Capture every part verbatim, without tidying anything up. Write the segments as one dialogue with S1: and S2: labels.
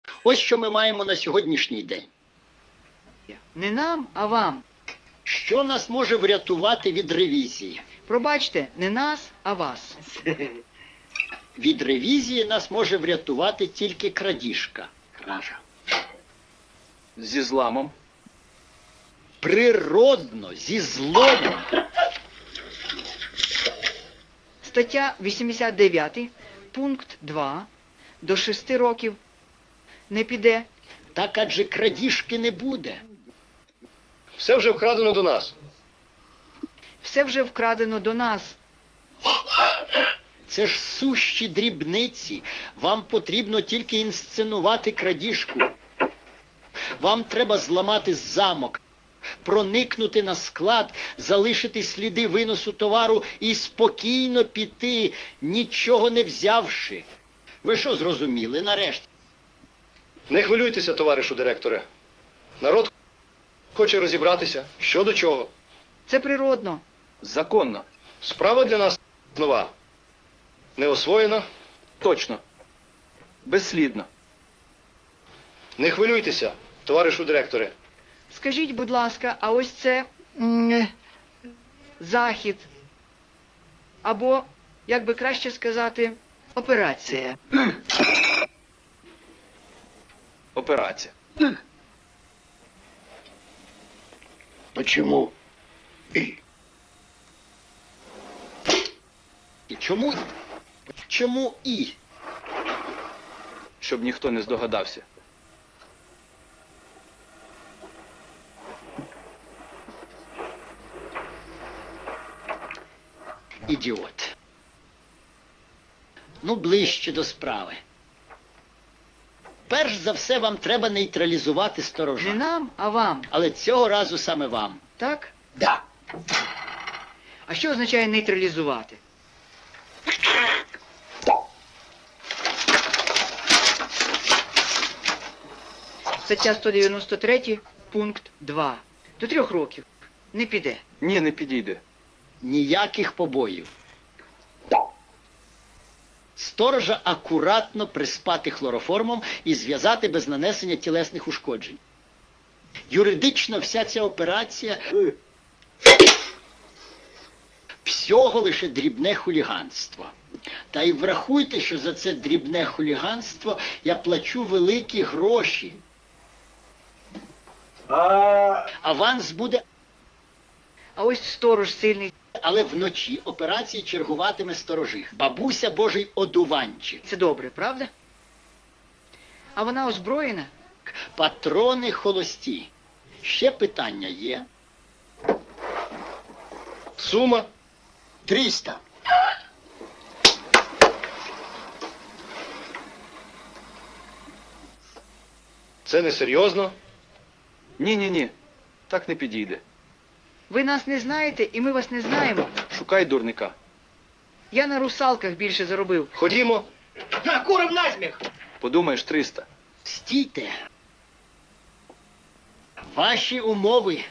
S1: Ось що ми маємо на сьогоднішній день.
S2: Не нам, а вам.
S1: Що нас може врятувати від ревізії?
S2: Пробачте, не нас, а вас.
S1: Від ревізії нас може врятувати тільки крадіжка. Кража.
S3: Зі зламом.
S1: Природно, зі зломом.
S2: Стаття вісімдесят дев'ять, пункт два. До шести років не піде.
S1: Так адже крадіжки не буде.
S4: Все вже вкрадено до нас.
S2: Все вже вкрадено до нас.
S1: Це ж сущі дрібниці. Вам потрібно тільки інсценувати крадіжку. Вам треба зламати замок, проникнути на склад, залишити сліди виносу товару і спокійно піти, нічого не взявши. Ви що зрозуміли нарешті?
S4: Не хвилюйтеся, товаришу директоре. Народ хоче розібратися, що до чого.
S2: Це природно.
S3: Законно.
S4: Справа для нас нова. Не освоєна.
S3: Точно. Безслідно.
S4: Не хвилюйтеся, товаришу директоре.
S2: Скажіть, будь ласка, а ось це м, захід. Або, як би краще сказати, операція.
S3: Операція.
S1: Почему? І. І чому? Чому і?
S3: Щоб ніхто не здогадався.
S1: Ідіот. Ну, ближче до справи. Перш за все, вам треба нейтралізувати
S2: Не
S1: сторожа.
S2: нам, а вам.
S1: Але цього разу саме вам.
S2: Так?
S1: Да.
S2: А що означає нейтралізувати? Стаття сто дев'яносто три, пункт два. До трьох років не піде.
S3: Ні, не підійде.
S1: Ніяких побоїв. Сторожа акуратно приспати хлороформом і зв'язати без нанесення тілесних ушкоджень. Юридично вся ця операція всього лише дрібне хуліганство. Та й врахуйте, що за це дрібне хуліганство я плачу великі гроші. Аванс буде,
S2: А ось сторож сильний.
S1: але вночі операції чергуватиме сторожих. Бабуся Божий одуванчик.
S2: Це добре, правда? А вона озброєна?
S1: Патрони холості. Ще питання є?
S4: Сума.
S1: Тріста.
S4: Це несерйозно.
S3: Ні-ні-ні. Так не підійде.
S2: Ви нас не знаєте, і ми вас не знаємо.
S3: Шукай дурника.
S2: Я на русалках більше заробив.
S4: Ходімо.
S3: Подумаєш, триста.
S1: Стійте. Ваші умови.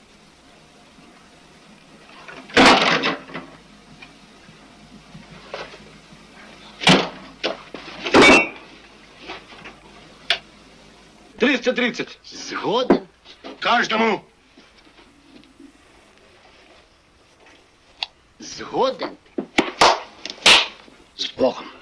S4: триста тридцять.
S1: Згоден.
S4: Кожному.
S1: Згоден. З Богом.